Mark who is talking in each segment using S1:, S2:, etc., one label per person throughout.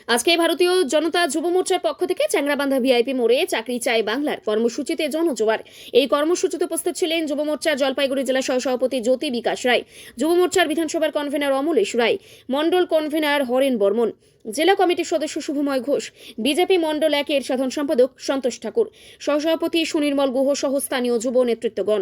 S1: আজকে ভারতীয় জনতা যুব মোর্চার পক্ষ থেকে চ্যাংরাবান্ধা ভিআইপি মোড়ে চাকরি চাই বাংলার কর্মসূচিতে জনজোয়ার। এই কর্মসূচিতে উপস্থিত ছিলেন যুব মোর্চার জলপাইগুড়ি জেলা সহসভাপতি জ্যোতি বিকাশ রায়, যুব মোর্চার বিধানসভার কনভেনার অমলেশ রায়, মন্ডল কনভেনার হরেন বর্মন, জেলা কমিটির সদস্য শুভময় ঘোষ, বিজেপি মন্ডল 1-এর সাধারণ সম্পাদক সন্তোষ ঠাকুর, সহসভাপতি সুনির্মল গুহ সহ স্থানীয় যুব নেতৃত্বগণ।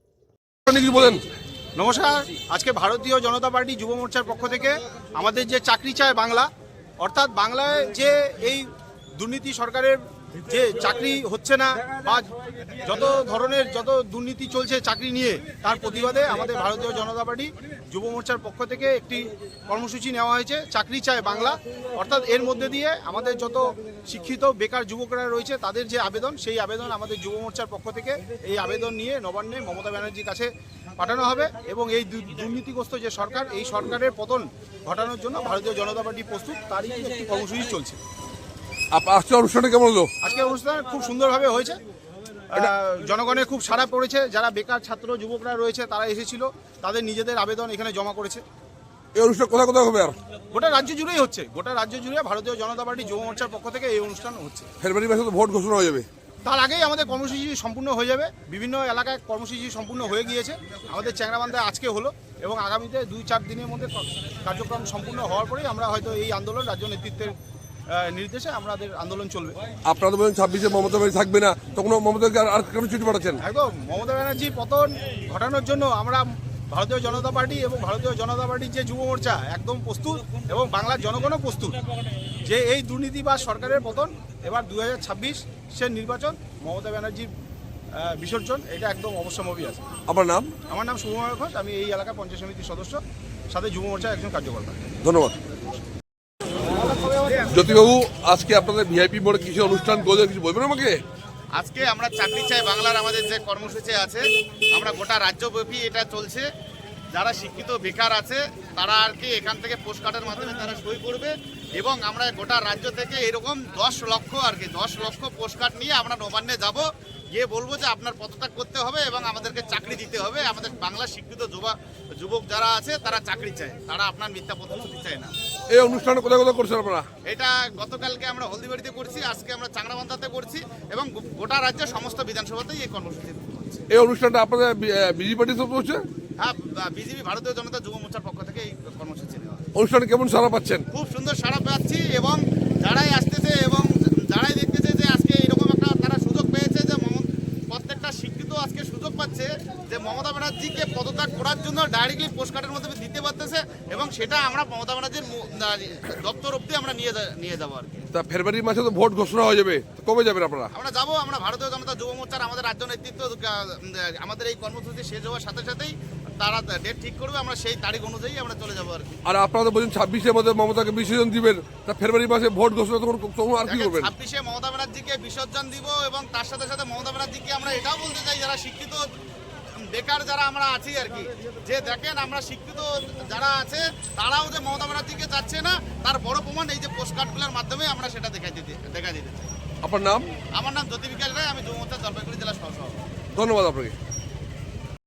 S2: নমস্কার। আজকে ভারতীয় জনতা পার্টি যুব মোর্চার পক্ষ থেকে আমাদের যে চাকরি চায় বাংলা, অর্থাৎ বাংলায় যে এই দুর্নীতি সরকারের যে চাকরি হচ্ছে না বা যত ধরনের যত দুর্নীতি চলছে চাকরি নিয়ে, তার প্রতিবাদে আমাদের ভারতীয় জনতা পার্টি যুব মোর্চার পক্ষ থেকে একটি কর্মসূচি নেওয়া হয়েছে, চাকরি চায় বাংলা। অর্থাৎ এর মধ্যে দিয়ে আমাদের যত শিক্ষিত বেকার যুবকরা রয়েছে তাদের যে আবেদন, সেই আবেদন আমাদের যুব মোর্চার পক্ষ থেকে এই আবেদন নিয়ে নবান্নে মমতা ব্যানার্জির কাছে পাঠানো হবে এবং এই দুর্নীতিগ্রস্ত যে সরকার, এই সরকারের পতন ঘটানোর জন্য ভারতীয় জনতা পার্টি প্রস্তুত, তারই একটি কর্মসূচি চলছে।
S3: আজকে অনুষ্ঠানটা কেমন হলো?
S2: আজকের অনুষ্ঠান খুব সুন্দরভাবে হয়েছে, জনগণের খুব সাড়া পড়েছে। যারা বেকার ছাত্র যুবকরা রয়েছে তারা এসেছিল, তাদের নিজেদের আবেদন এখানে জমা করেছে।
S3: এই অনুষ্ঠান কোথায় কোথায় হবে? আর
S2: গোটা রাজ্য জুড়েই হচ্ছে, গোটা রাজ্য জুড়ে ভারতীয় জনতা পার্টি যুব মোর্চার পক্ষ থেকে এই অনুষ্ঠান হচ্ছে।
S3: ফেব্রুয়ারি মাসে তো ভোট ঘোষণা হয়ে যাবে,
S2: তার আগেই আমাদের কর্মসূচি সম্পূর্ণ হয়ে যাবে। বিভিন্ন এলাকায় কর্মসূচি সম্পূর্ণ হয়ে গিয়েছে। আমাদের চ্যাংরাবান্ধায় আজকে হলো এবং আগামীতে 2-4 দিনের মধ্যে কার্যক্রম সম্পূর্ণ হওয়ার পরেই আমরা হয়তো এই আন্দোলন রাজ্য নেতৃত্বের নির্দেশে আমাদের আন্দোলন চলবে।
S3: আপনারা তো বলেন 26-এ মমতা ব্যানার্জি থাকবে না, তখন মমতাকে আর কেন চিঠি পাঠাচ্ছেন?
S2: একদম মমতা ব্যানার্জির পতন ঘটানোর জন্য আমরা ভারতীয় জনতা পার্টি এবং ভারতীয় জনতা পার্টির যে যুব মোর্চা একদম প্রস্তুত এবং বাংলার জনগণও প্রস্তুত যে এই দুর্নীতিবাজ সরকারের পতন, এবার 2026-এর নির্বাচন, মমতা ব্যানার্জির বিসর্জন, এটা একদম অবশ্যম্ভাবী আছে।
S3: আপনার নাম?
S2: আমার নাম শুভময় ঘোষ, আমি এই এলাকার পঞ্চায়েত সমিতির সদস্য, সাথে যুব মোর্চার একজন কার্যকর্তা।
S3: ধন্যবাদ। জ্যোতিবাবু, আজকে আপনাদের ভিআইপি মোড়ে কিছু অনুষ্ঠান করলে কিছু বলবেন আমাকে?
S4: আজকে আমরা চাকরি চাই বাংলার আমাদের যে কর্মসূচি আছে, আমরা গোটা রাজ্যব্যাপী এটা চলছে। যারা শিক্ষিত বেকার আছে তারা আর কি এখান থেকে পোস্ট কার্ডের মাধ্যমে তারা সই করবে এবং আমরা গোটা রাজ্য থেকে এরকম 10 লক্ষ পোস্ট কার্ড নিয়ে আমরা নবান্নে যাব, গিয়ে বলবো যে আপনার পদত্যাগ করতে হবে এবং আমাদেরকে চাকরি দিতে হবে। আমাদের বাংলার শিক্ষিত যুবক যারা আছে তারা চাকরি চায়, তারা আপনার মিথ্যা প্রতিশ্রুতি চায় না।
S3: এই অনুষ্ঠানে কোথায় কোথায় করছেন আপনারা?
S4: এটা গতকালকে আমরা হলদিবাড়িতে করছি, আজকে আমরা চাংরাবান্ধাতে করছি এবং গোটা রাজ্যের সমস্ত বিধানসভাতেই এই কর্মসূচি হচ্ছে।
S3: এই অনুষ্ঠানটা আপনাদের বিজেপি পার্টি তো হচ্ছে?
S4: হ্যাঁ, বিজেপি ভারতীয় জনতা যুব মোর্চার পক্ষ থেকে এই কর্মসূচি নেওয়া।
S3: অনুষ্ঠানে কেমন সাড়া পাচ্ছেন?
S4: খুব সুন্দর সাড়া পাচ্ছি এবং যারাই আসতেছে এবং যারাই দেখতেছে যে আজকে এরকম একটা তারা সুযোগ পেয়েছে, যে প্রত্যেকটা শিক্ষিত আজকে সুযোগ পাচ্ছে যে মমতা ব্যানার্জিকে পদত্যাগ করার জন্য ডাইরেক্টলি পোস্টকার্ডের মাধ্যমে দিতে পারতেছে এবং সেটা আমরা মমতা ব্যানার্জির দপ্তর অব্দি আমরা নিয়ে যাবো আর কি।
S3: তা ফেব্রুয়ারি মাসে তো ভোট ঘোষণা হয়ে যাবে, কবে যাবেন আপনারা?
S4: আমরা যাবো, আমরা ভারতীয় জনতা যুব মোর্চার আমাদের রাজ্য নেতৃত্ব আমাদের এই কর্মসূচি শেষ হওয়ার সাথে সাথেই তারা ডেট ঠিক করবে, আমরা সেই তারিখ অনুযায়ী আমরা চলে যাবো আর কি।
S3: আর আপনারা তো বলছেন 26-এর মধ্যে মমতাকে বিসর্জন দিবেন, তা ফেব্রুয়ারি মাসে ভোট ঘোষণা তখন আর কি করবেন?
S4: 26-এ মমতা ব্যানার্জিকে বিসর্জন দিব এবং তার সাথে সাথে মমতা ব্যানার্জিকে আমরা এটাও বলতে চাই, যারা শিক্ষিত বেকার যারা আমরা আছি আর কি, যে দেখেন আমরা শিক্ষিত যারা আছে তারাও যে মমতা ব্যানার্জিকে যাচ্ছে না, তার বড় প্রমাণ এই যে পোস্ট কার্ডগুলোর মাধ্যমে আমরা সেটা দেখা দিতে চাই।
S3: আপনার নাম?
S4: আমার নাম জ্যোতি বিকাশ রায়, আমি যুব মোর্চা জলপাইগুড়ি জেলা সহসভাপতি।
S3: ধন্যবাদ আপনাকে।